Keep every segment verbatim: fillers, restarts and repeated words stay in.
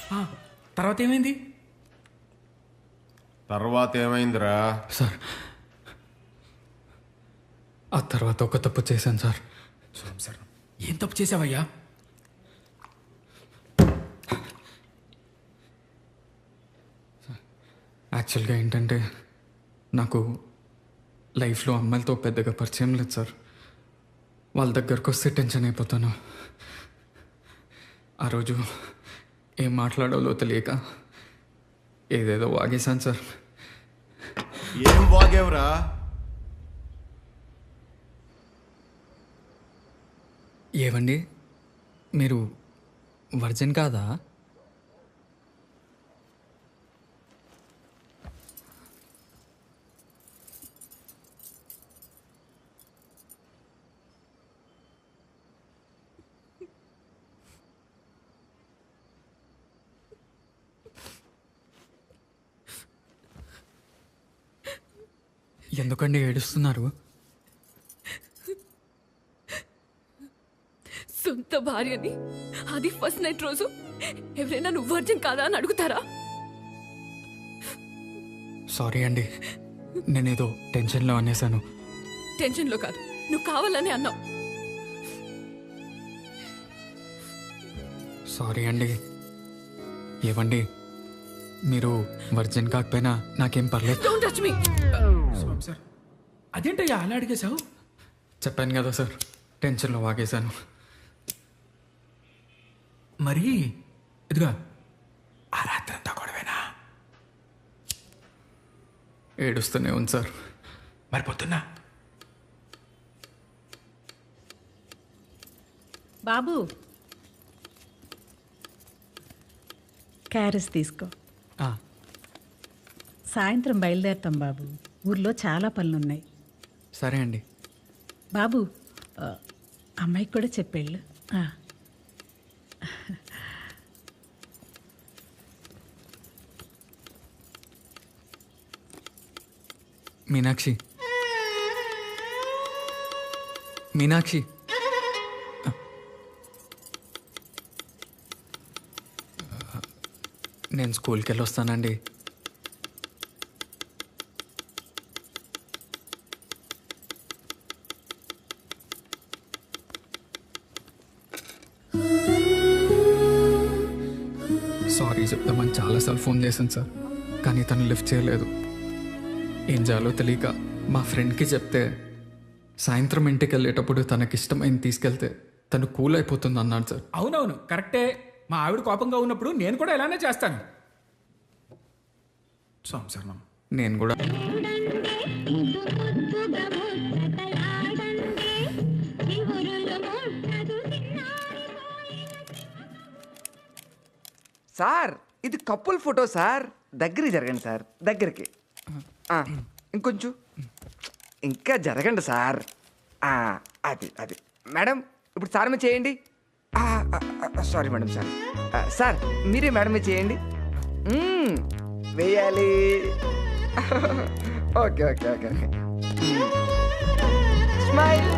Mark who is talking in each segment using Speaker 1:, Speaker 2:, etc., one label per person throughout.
Speaker 1: తర్వాత ఏమైంది?
Speaker 2: తర్వాత ఏమైందిరా?
Speaker 3: సార్ ఆ తర్వాత ఒక తప్పు చేశాను సార్.
Speaker 1: సార్ ఏం తప్పు చేసావయ్యా?
Speaker 3: యాక్చువల్గా ఏంటంటే నాకు లైఫ్లో అమ్మాయిలతో పెద్దగా పరిచయం లేదు సార్. వాళ్ళ దగ్గరకు వస్తే టెన్షన్ అయిపోతాను. ఆ రోజు ఏం మాట్లాడాలో తెలియక ఏదేదో వాగేశాను సార్.
Speaker 2: ఏం వాగేవరా?
Speaker 3: ఏవండి మీరు వర్జిన్ కాదా? ఎందుకండి ఏడుస్తున్నారు?
Speaker 4: సొంత భార్యని అది ఫస్ట్ నైట్ రోజు ఎవరైనా నువ్వు వర్జిన్ కాదా అని అడుగుతారా?
Speaker 3: సారీ అండి, నేనేదో టెన్షన్లో అనేసాను.
Speaker 4: టెన్షన్లో కాదు, నువ్వు కావాలని అన్నావు.
Speaker 3: సారీ అండి. ఏవండి మీరు వర్జిన్ కాకపోయినా నాకేం పర్లేదు.
Speaker 4: Don't touch me.
Speaker 1: సార్ అదేంటయ్యా అలా అడిగేశావు?
Speaker 3: చెప్పాను కదా సార్, టెన్షన్లో వాగేశాను.
Speaker 1: మరి ఇదిగా ఆ రాత్రంతా గొడవేనా?
Speaker 3: ఏడుస్తూనే ఉంది సార్.
Speaker 1: మరి పొద్దున్నా?
Speaker 5: బాబు క్యారెస్ తీసుకో.
Speaker 3: ఆ,
Speaker 5: సాయంత్రం బయలుదేరుతాం బాబు, ఊర్లో చాలా పనులున్నాయి.
Speaker 3: సరే అండి.
Speaker 5: బాబు ఆ, అమ్మాయికి కూడా చెప్పేళ్ళు. ఆ.
Speaker 3: మీనాక్షి, మీనాక్షి నేను స్కూల్కి వెళ్ళి వస్తానండి. సారీ చెప్తామని చాలాసార్లు ఫోన్ చేశాను సార్, కానీ తను లిఫ్ట్ చేయలేదు. ఏం చేయాలో తెలియక మా ఫ్రెండ్కి చెప్తే సాయంత్రం ఇంటికి వెళ్ళేటప్పుడు తనకిష్టమైంది తీసుకెళ్తే తను కూల్ అయిపోతుంది అన్నాడు సార్.
Speaker 1: అవునవును కరెక్టే. మా ఆవిడ కోపంగా ఉన్నప్పుడు నేను కూడా ఇలానే చేస్తాను. సంసారం
Speaker 3: నేను కూడా
Speaker 6: సార్ ఇది కపుల్ ఫోటో సార్, దగ్గరికి జరగండి సార్, దగ్గరికి. ఆ, ఇంకొంచెం ఇంకా జరగండి సార్. ఆ, అది అది మేడం ఇప్పుడు సార్ మీద చేయండి. Sorry madam sir. ఆ, సార్ మీరే మేడం మీద చేయండి. మ్మ్, వేయాలి. Okay okay okay okay. Smile.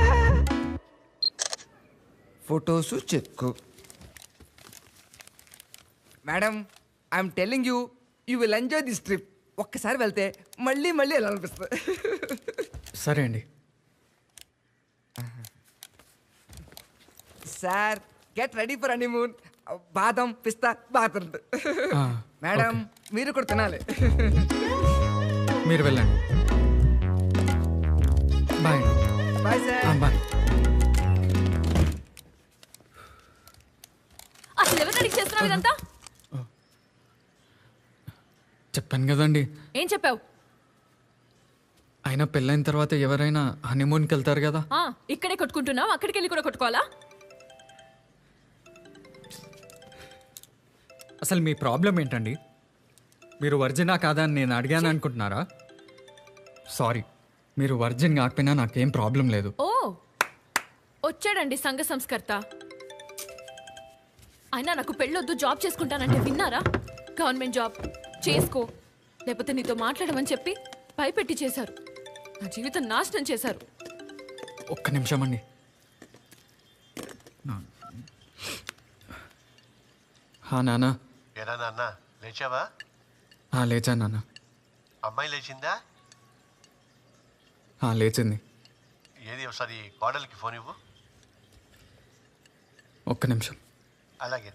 Speaker 6: Photos check. Madam I'm telling you, you will enjoy this trip. ఒక్కసారి వెళ్తే మళ్ళీ మళ్ళీ వెళ్ళాలనిపిస్తుంది.
Speaker 3: సరే అండి.
Speaker 6: Sir get ready for honeymoon. బాదం పిస్తా బాగుంటుంది.
Speaker 3: ఆ,
Speaker 6: మేడం
Speaker 3: ఓకే.
Speaker 6: మీరు కూడా తినాలి.
Speaker 3: మీరు వెళ్ళండి. బాయ్ అండి.
Speaker 6: బాయ్
Speaker 3: ఆ,
Speaker 6: సార్.
Speaker 3: బాయ్.
Speaker 4: అసలు ఎవరు అడిగి చేస్తున్నావు ఇదంతా?
Speaker 3: చెప్పాను కదండి,
Speaker 4: ఏం చెప్పావు?
Speaker 3: అయినా పెళ్ళైన తర్వాత ఎవరైనా హనీమూన్కి వెళ్తారు కదా.
Speaker 4: ఆ, ఇక్కడే కొట్టుకుంటున్నావు, అక్కడికి వెళ్ళి కూడా కొట్టుకోవాలా?
Speaker 3: అసలు మీ ప్రాబ్లం ఏంటండి? మీరు వర్జినా కాదా అని నేను అడిగాను అనుకుంటున్నారా? సారీ, మీరు వర్జిన్ కాకపోయినా నాకేం ప్రాబ్లం లేదు.
Speaker 4: ఓ వచ్చాడండి సంఘ సంస్కర్త. అయినా నాకు పెళ్ళొద్దు, జాబ్ చేసుకుంటానంటే విన్నారా? గవర్నమెంట్ జాబ్ చేసుకో, లేకపోతే నీతో మాట్లాడమని చెప్పి భయపెట్టి చేశారు. నా జీవితం నాశనం చేశారు.
Speaker 3: ఒక్క నిమిషం అండి. హా నాన్న,
Speaker 7: ఏరా నాన్న లేచావా?
Speaker 3: ఆ, లేచాను నాన్న.
Speaker 7: అమ్మాయి లేచిందా?
Speaker 3: ఆ, లేచింది.
Speaker 7: ఏది ఒకసారి కోడలికి ఫోన్ ఇవ్వు.
Speaker 3: ఒక్క నిమిషం.
Speaker 7: అలాగే.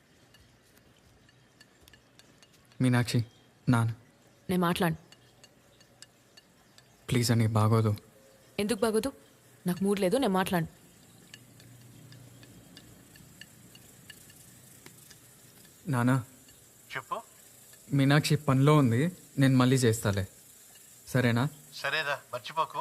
Speaker 3: మీనాక్షి, నాన్న
Speaker 4: నేను మాట్లాడు.
Speaker 3: ప్లీజ్ అని బాగోదు.
Speaker 4: ఎందుకు బాగోదు? నాకు మూడ్ లేదు, నేను మాట్లాడు.
Speaker 3: నానా,
Speaker 7: చెప్పు.
Speaker 3: మీనాక్షి పనిలో ఉంది, నేను మళ్ళీ చేస్తాలే, సరేనా?
Speaker 7: సరేనా, మర్చిపోకు.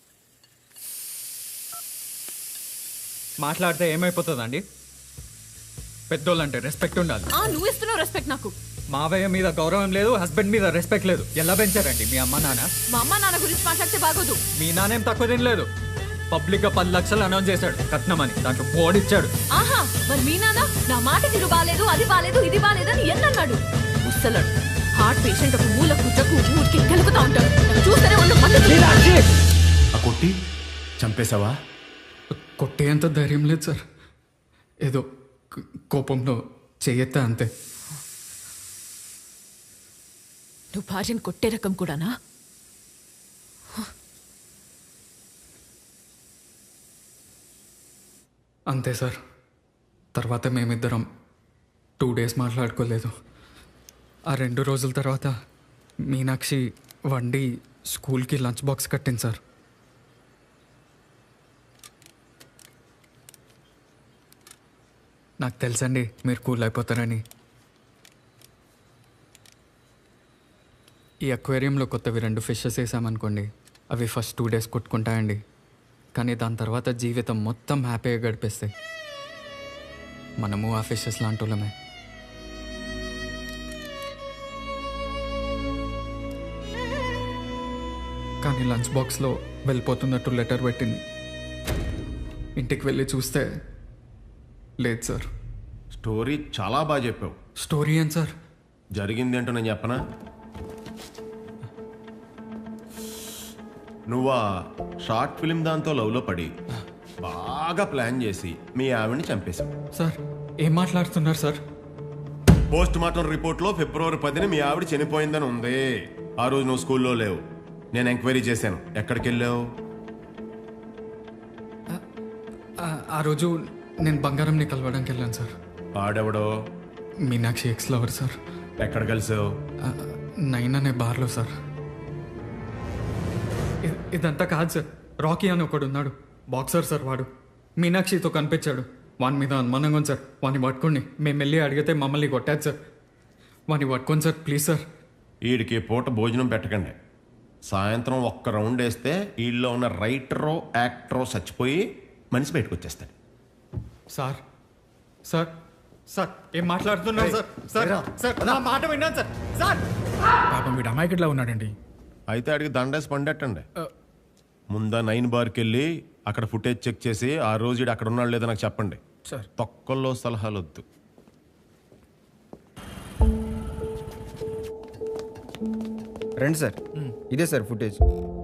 Speaker 3: మాట్లాడితే ఏమైపోతుందండి? పెద్దోళ్ళంటే రెస్పెక్ట్ ఉండాలి.
Speaker 4: ఆ, నువ్వు ఇస్తున్నావు రెస్పెక్ట్ నాకు.
Speaker 3: మావయ్య మీద గౌరవం లేదు, హస్బెండ్ మీద రెస్పెక్ట్ లేదు. ఎలా పెంచారండి మీ అమ్మ నాన్న?
Speaker 4: మా అమ్మ నాన్న గురించి మాట్లాడితే బాగోదు.
Speaker 3: మీ నాన్నేం తక్కువ తినలేదు. పబ్లిక్ గా పది లక్షలు అనౌన్స్ చేశాడు కట్నమని, దాంట్లో ఓడిచ్చాడు.
Speaker 4: ఆహా, మరి మీ నాన్న నా మాట తిరు బాలేదు, అది బాలేదు, ఇది బాలేదని ఎన్నన్నాడు? ముసలాడు హార్ట్ పేషెంట్, ఒక మూల కుట్టకు ఊరికి కెలుకుతా ఉంటాడు. నాకు చూస్తేనే ఒళ్ళు మండుతుంది.
Speaker 2: ఆ కొట్టి చంపేశావా?
Speaker 3: కొట్టేంత ధైర్యం లేదు సార్, ఏదో క- కోపంలో చెయ్యెత్తా అంతే.
Speaker 4: నువ్వు భార్యను కొట్టే రకం కూడానా?
Speaker 3: అంతే సార్. తర్వాత మేమిద్దరం టూ డేస్ మాట్లాడుకోలేదు. ఆ రెండు రోజుల తర్వాత మీనాక్షి వండి స్కూల్కి లంచ్ బాక్స్ కట్టింది సార్. నాకు తెలుసండి మీరు కూల్ అయిపోతారని. ఈ అక్వేరియంలో కొత్తవి రెండు ఫిషెస్ వేసామనుకోండి, అవి ఫస్ట్ టూ డేస్ కొట్టుకుంటాయండి, కానీ దాని తర్వాత జీవితం మొత్తం హ్యాపీగా గడిపేస్తాయి. మనము ఆ ఫిషెస్ లాంటి వాళ్ళమే. కానీ లంచ్ బాక్స్లో వెళ్ళిపోతున్నట్టు లెటర్ పెట్టింది. ఇంటికి వెళ్ళి చూస్తే లేదు సార్.
Speaker 2: స్టోరీ చాలా బాగా చెప్పావు.
Speaker 3: స్టోరీ ఏం సార్?
Speaker 2: జరిగింది ఏంటో నేను చెప్పనా? నువ్వు ఆ షార్ట్ ఫిలిం దాంతో లవ్లో పడి బాగా ప్లాన్ చేసి మీ ఆవిడని చంపేశావు.
Speaker 3: సార్ ఏం మాట్లాడుతున్నారు సార్?
Speaker 2: పోస్ట్ మార్టం రిపోర్ట్లో ఫిబ్రవరి పదిని మీ ఆవిడ చనిపోయిందని ఉంది. ఆ రోజు నువ్వు స్కూల్లో లేవు. నేను ఎంక్వైరీ చేశాను. ఎక్కడికి వెళ్ళావు?
Speaker 3: ఆ- ఆ రోజు నేను బంగారంని కలవడానికి వెళ్ళాను సార్.
Speaker 2: ఆడెవడో?
Speaker 3: Meenakshi ex lover sir.
Speaker 2: ఎక్కడ కలిసావు?
Speaker 3: ఆ, నైన్ అనే బార్లో సార్. ఇ- ఇదంతా కాదు సార్. రాకీ అని ఒకడు ఉన్నాడు, బాక్సర్ సార్. వాడు మీనాక్షితో కనిపించాడు. వాని మీద అనుమానంగా ఉంది సార్. వాడిని పట్టుకోండి. మేము వెళ్ళి అడిగితే మమ్మల్ని కొట్టాడు సార్. వాడిని పట్టుకోండి సార్, ప్లీజ్ సార్.
Speaker 2: వీడికి పూట భోజనం పెట్టకండి. సాయంత్రం ఒక్క రౌండ్ వేస్తే వీళ్ళలో ఉన్న రైటరో యాక్టరో చచ్చిపోయి మనిషి బయటకు వచ్చేస్తాడు.
Speaker 3: సార్ సార్ సార్ ఏం మాట్లాడుతున్నారు సార్? సార్ సార్ నా మాట విన్నాను సార్. సార్
Speaker 1: పాపం వీడు అమాయకుడిలా ఉన్నాడండి.
Speaker 2: అయితే అడిగి దండేసి పండెట్టండి. ముందా నైన్ బార్కి వెళ్ళి అక్కడ ఫుటేజ్ చెక్ చేసి ఆ రోజు ఈడు అక్కడ ఉన్నాడు లేదో నాకు చెప్పండి.
Speaker 1: సార్
Speaker 2: తొక్కల్లో సలహాలు వద్దు.
Speaker 8: రండి సార్, ఇదే సార్ ఫుటేజ్.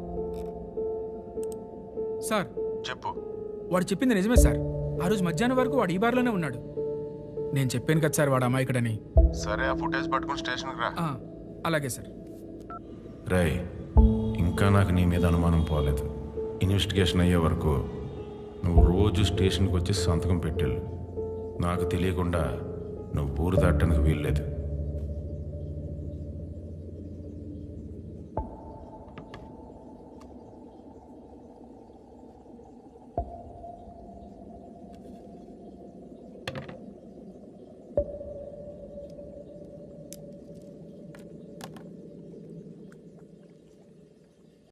Speaker 1: సార్
Speaker 7: చెప్పు.
Speaker 1: వాడు చెప్పింది నిజమే సార్. ఆ రోజు మధ్యాహ్నం వరకు వాడు ఈ బార్లోనే ఉన్నాడు. నేను చెప్పాను కదా సార్ వాడు అమాయకుడని.
Speaker 2: సరే, ఆ ఫుటేజ్ పట్టుకుని స్టేషన్కి రా.
Speaker 1: ఆ, అలాగే సార్.
Speaker 2: రై, ఇంకా నాకు నీ మీద అనుమానం పోలేదు. ఇన్వెస్టిగేషన్ అయ్యే వరకు నువ్వు రోజు స్టేషన్కి వచ్చి సంతకం పెట్టేళ్ళు. నాకు తెలియకుండా నువ్వు ఊరు దాటడానికి వీల్లేదు.